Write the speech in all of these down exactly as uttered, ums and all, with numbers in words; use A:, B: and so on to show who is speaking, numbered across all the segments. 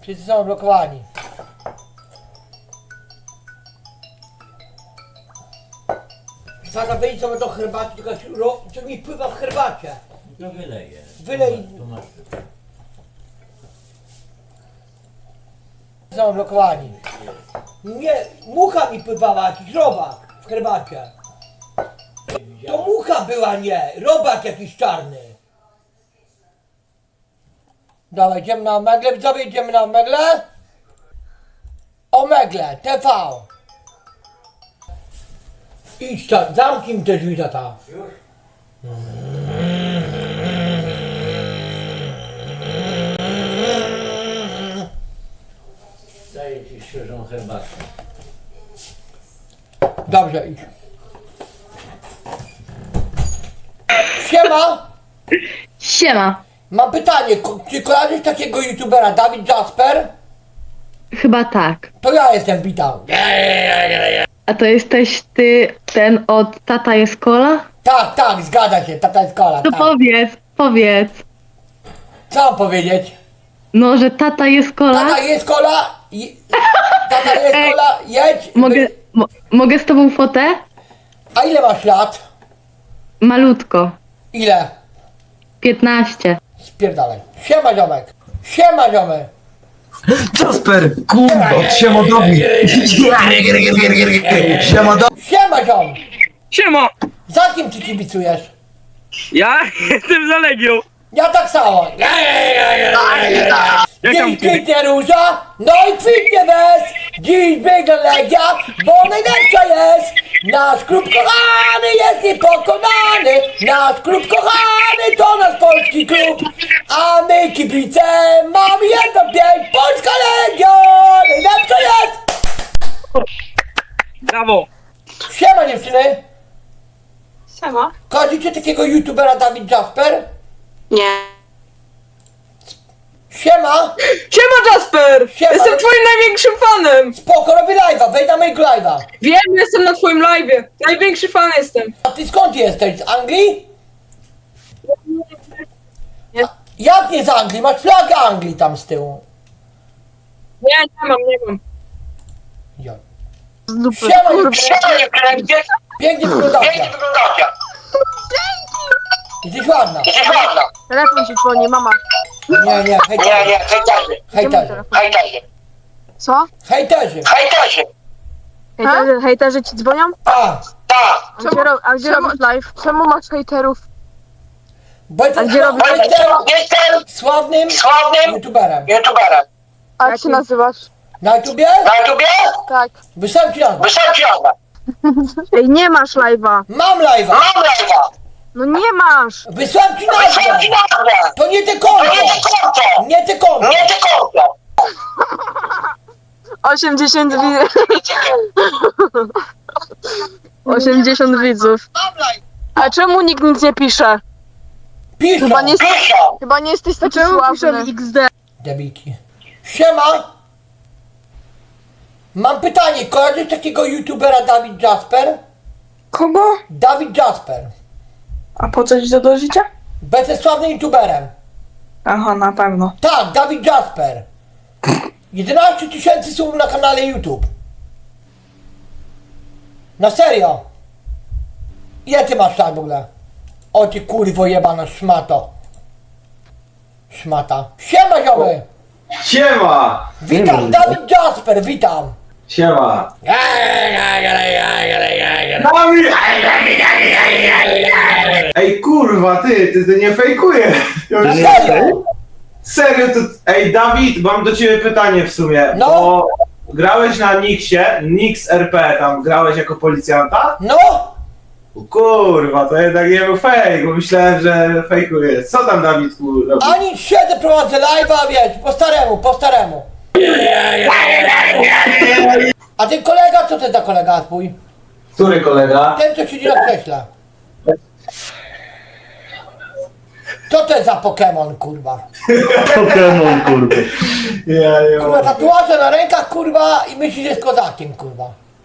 A: Wszyscy są blokowani. Tata, wyjdź sobie do herbaty, tylko ro- co mi pływa w herbacie.
B: No wyleję.
A: Wylej.
B: Tu masz.
A: Są blokowani. Nie, mucha mi pływała, jakiś robak w herbacie. To mucha była, nie, robak jakiś czarny. Dawaj, idziemy na Omegle, widzowie, idziemy na Omegle. Omegle, T V. Idź tam, zamknij mi te drzwi, tata.
B: Już? Daję ci świeżą herbatę.
A: Dobrze, idź. Siema,
C: Siema.
A: mam pytanie, ko- czy kojarzysz takiego youtubera, Dawid Jasper?
C: Chyba tak.
A: To ja jestem, witam.
C: A to jesteś ty, ten od Tata jest Kola?
A: Tak, tak, zgadza się, tata jest kola,
C: To
A: tak.
C: powiedz, powiedz.
A: Co mam powiedzieć?
C: No, że Tata jest Kola?
A: Tata jest kola, i... tata jest
C: Ej,
A: kola, jedź.
C: Mogę, mo, mogę z tobą fotę?
A: A ile masz lat?
C: Malutko.
A: Ile?
C: piętnaście.
A: Spierdalaj. Siema, ziomek. Siema, ziomek.
D: Jasper, kurwa, siema Dobi. Siema Dobi.
A: Siema, ziom.
E: Siema!
A: Za kim ty kibicujesz?
E: Ja jestem za Legią!
A: Ja tak samo.
E: Jak
A: Dziś kwitnie róża, no i kwitnie bez. Dziś biega Legia, bo najlepsza jest. Nasz klub kochany jest niepokonany. Nasz klub kochany to nasz polski klub. A my kibice mamy jedno pięć. Polska Legia najlepsza jest.
E: Brawo!
A: Siema, dziewczyny.
F: Siema.
A: Kojarzycie takiego youtubera Dawid Jasper?
F: Nie.
A: Siema.
F: Siema Jasper!
A: Siema.
F: Jestem twoim największym fanem!
A: Spoko, robię live'a, wejdź na mojego live'a.
F: Wiem, jestem na twoim live'ie. Największy fan jestem.
A: A ty skąd jesteś? Z Anglii?
F: Nie.
A: Jak nie z Anglii? Masz flagę Anglii tam z tyłu.
F: Nie, nie mam, nie mam.
A: Jo. Siema, dziewczyny. Pięknie wyglądacie. Jesteś ładna.
G: Telefon ci dzwoni, mama.
A: Nie, nie, hejterzy. Hejterzy.
G: Co?
A: Hejterzy.
G: Hejterzy, hejterzy ci dzwonią?
A: A,
G: A gdzie, ro, a gdzie robisz live? Czemu masz hejterów?
A: bo
G: A
A: jestem
G: gdzie robisz?
A: jestem sławnym youtuberem.
G: A jak się nazywasz?
A: Na YouTubie?
G: Tak.
A: Wysłałem ci nazwę.
G: Ej, nie masz live'a.
A: Mam live'a.
G: No nie masz.
A: Wysłałem ci nazwę. To nie te konto. Nie te konto.
G: osiemdziesiąt widzów. osiemdziesiąt widzów. A czemu nikt nic nie pisze?
A: Piszą.
G: Chyba nie, chyba nie jesteś taki sławny. X D.
A: Debiki. Siema! Mam pytanie, kojarzysz takiego youtubera Dawid Jasper?
H: Kogo?
A: Dawid Jasper.
H: A po co ci to do życia?
A: Będzie sławnym youtuberem.
H: Aha, na pewno.
A: Tak, Dawid Jasper. jedenaście tysięcy subów na kanale YouTube. Na serio. Ile ty masz lat w ogóle? O ty kurwo jebana szmato. Szmata. Siema, ziomy!
D: Siema.
A: Witam, Dawid Jasper, witam!
D: Siema. Ej kurwa, ty, ty, ty nie fejkujesz. Ja już-
A: Serio?
D: Serio, to... Ej Dawid, mam do ciebie pytanie w sumie.
A: No.
D: Bo grałeś na Nixie, Nix R P, tam grałeś jako policjanta?
A: No!
D: O kurwa, to jednak nie był fake, bo myślałem, że fejkujesz. Co tam Dawidku robisz?
A: Ani siedzę, prowadzę live'a, wiesz, po staremu, po staremu. A ten kolega, co to za kolega twój?
D: Który kolega?
A: Ten, co siedzi na krześle. Co to jest za Pokémon, kurwa?
D: Pokémon kurwa. Ja nie
A: Kurwa, tatuaże na rękach, kurwa, i myślisz, że jest kozakiem, kurwa.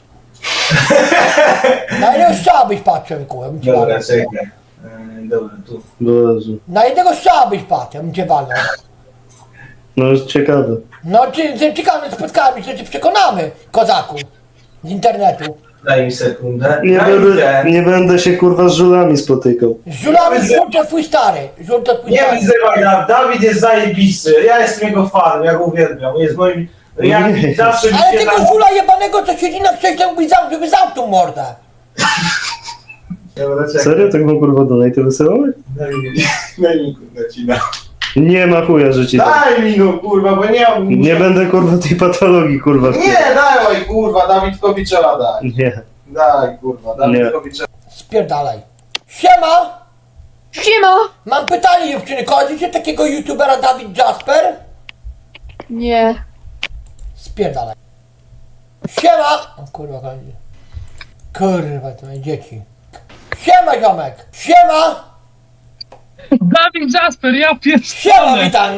A: Na jednego strzała byś patrzył, kurwa, bym cię
D: Dobra,
A: walnął.
D: czekaj. Yy, Dobra, tu.
A: Na jednego strzała byś patrzył, bym cię walnął.
I: No jest ciekawe.
A: No, czy, czy ciekawe spotkamy się, czy przekonamy, kozaku. Z internetu.
D: Daj mi sekundę.
I: Nie
D: Daj mi
I: będę,
D: ten.
I: nie będę się kurwa z żulami spotykał.
A: Z żulami żółt to twój stary. Żółt to twój
D: Nie
A: stary.
D: wyzywaj, Dawid. Dawid jest zajebisty. Ja jestem jego fanem, ja go uwielbiam. Jest moim... Ja
I: Nie.
D: zawsze mi
A: Ale
D: się
A: tego
D: na...
A: żula jebanego, co siedzi na krześle, mógłbyś zam, żeby zamknął mordę.
D: Dobra, czekaj.
I: Serio? Tak mam kurwa donate wysyłamy?
D: Daj mi, daj mi kurwa ci da.
I: Nie ma chuja, że ci dam.
D: Daj mi go kurwa, bo nie mam...
I: Nie będę kurwa tej patologii kurwa.
D: Nie, dawaj kurwa, Dawidkowi trzeba dać.
I: Nie.
D: Daj kurwa, Dawidkowi trzeba...
A: Spierdalaj. Siema!
G: Siema!
A: Mam pytanie, dziewczyny. Kojarzycie takiego youtubera Dawid Jasper?
G: Nie.
A: Spierdalaj. Siema! O kurwa, chodzi. Kurwa, to moje dzieci. Siema, ziomek! Siema!
E: Dawid Jasper, ja
A: Siema,
E: pierdolę.
A: witam!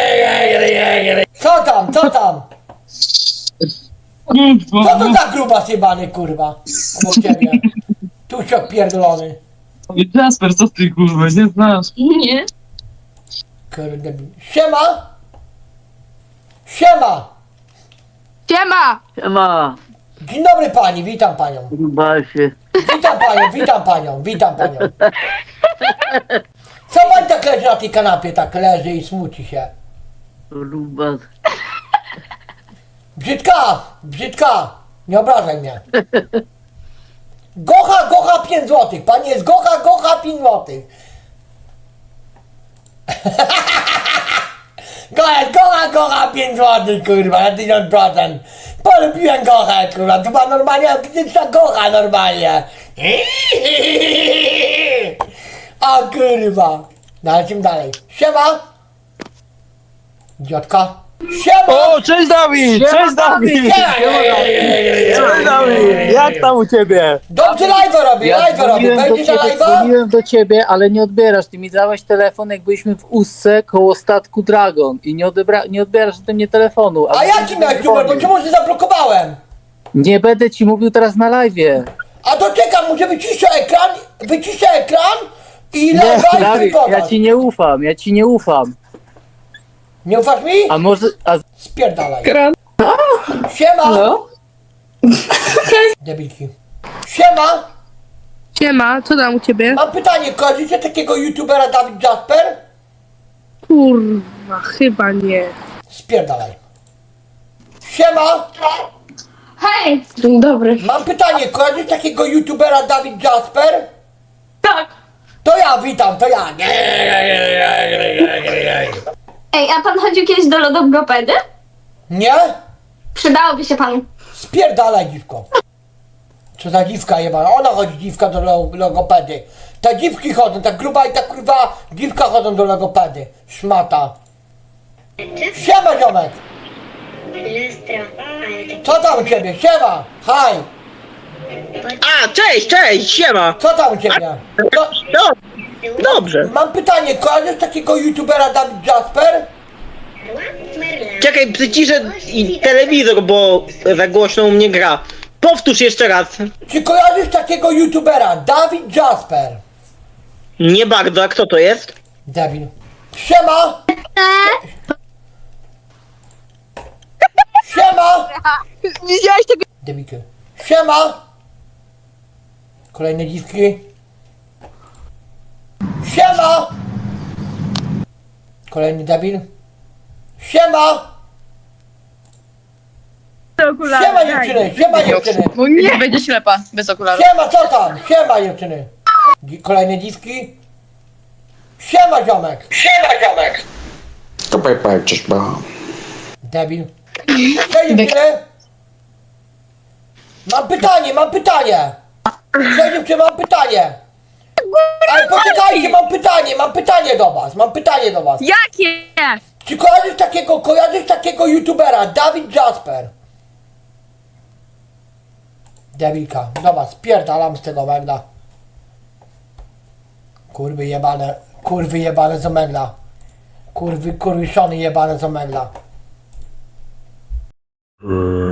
A: Co tam, co tam?
E: Kurwa,
A: Co to za gruba zjebany, kurwa? Obok ciebie. Tusiok pierdolony.
E: Jasper, co ty kurwa, nie znasz?
G: Nie.
A: Kurde. Siema! Siema!
G: Siema!
J: Siema,
A: Dzień dobry pani, witam panią.
J: Rubasie.
A: Witam panią, witam panią, witam panią. Co pani tak leży na tej kanapie, tak leży i smuci się?
J: Rubas.
A: Brzydka, brzydka, nie obrażaj mnie. Gocha, gocha pięć złotych, pani jest gocha, gocha pięć złotych. Gocha, gocha, gocha pięć złotych, kurwa, na tysiąc procent. Polubiłem gochę, kurwa, to była normalnie autentyczna gocha, normalnie. O kurwa. No, lecimy dalej. Siema. Idiotka. Siema.
E: O, cześć Dawid! Cześć Dawid!
A: Siema.
E: Cześć Dawid! Jak tam u ciebie?
A: Dobrze live robię,
K: Ja
A: live robię.
K: dzwoniłem do
A: Będziesz na
K: ciebie,
A: live'a?
K: dzwoniłem do ciebie, ale nie odbierasz. Ty mi dałeś telefon, jak byliśmy w Ustce koło statku Dragon i nie, odebra, nie odbierasz ode mnie telefonu.
A: A jaki miałeś numer, bo czemu się zablokowałem?
K: Nie będę ci mówił teraz na live'ie.
A: A to czekam, muszę wyciszę ekran, wyciszę ekran i
K: Nie,
A: live'a i
K: Dawid,
A: podasz.
K: ja ci nie ufam, ja ci nie ufam.
A: Nie ufasz mi?
K: A może... A
A: Spierdalaj.
F: Kran.
A: Siema.
F: Halo?
A: Debilki. Siema.
G: Siema, co tam u ciebie?
A: Mam pytanie, kojarzycie takiego youtubera Dawid Jasper?
G: Kurwa, chyba nie.
A: Spierdalaj. Siema.
G: Hej! Dzień dobry.
A: Mam pytanie, kojarzysz takiego youtubera Dawid Jasper?
G: Tak.
A: To ja, witam, to ja.
L: Ej, a pan chodził kiedyś do logopedy?
A: Nie?
L: Przydałoby się panu.
A: Spierdalaj, dziwko. Co za dziwka jebana, ona chodzi dziwka do lo- logopedy. Te dziwki chodzą, ta gruba i ta kurwa dziwka chodzą do logopedy. Szmata. Siema, ziomek. Co tam u ciebie? Siema. Haj.
E: A, cześć, cześć, siema!
A: Co tam u ciebie? Co?
E: No, dobrze.
A: Mam pytanie, kojarzysz takiego youtubera Dawid Jasper?
E: Czekaj, przyciszę i telewizor, bo za głośno u mnie gra. Powtórz jeszcze raz.
A: Czy kojarzysz takiego youtubera Dawid Jasper?
E: Nie bardzo, a kto to jest?
A: Debil. Siema. Siema.
G: Widziałeś tego?
A: Debilki. Siema. Kolejne dziwki. Siema. Kolejny debil. Siema. Siema dziewczyny, siema dziewczyny.
G: No nie będzie ślepa, bez okularów.
A: Siema, co tam? Siema dziewczyny. Dzi- Kolejne dziwki. Siema ziomek. Siema ziomek.
B: To pajpajczysz, bo...
A: Debil. Cześć dziewczyny. Mam pytanie, mam pytanie. Cześć dziewczyny, mam pytanie. Ale poczekajcie, mam pytanie, mam pytanie do was, mam pytanie do was.
G: Jakie?
A: Czy kojarzysz takiego, kojarzysz takiego youtubera, Dawid Jasper? Debilka, dobra, spierdalam z tego megla. Kurwy jebane, kurwy jebane z omegla. Kurwy, kurwy szony jebane z omegla.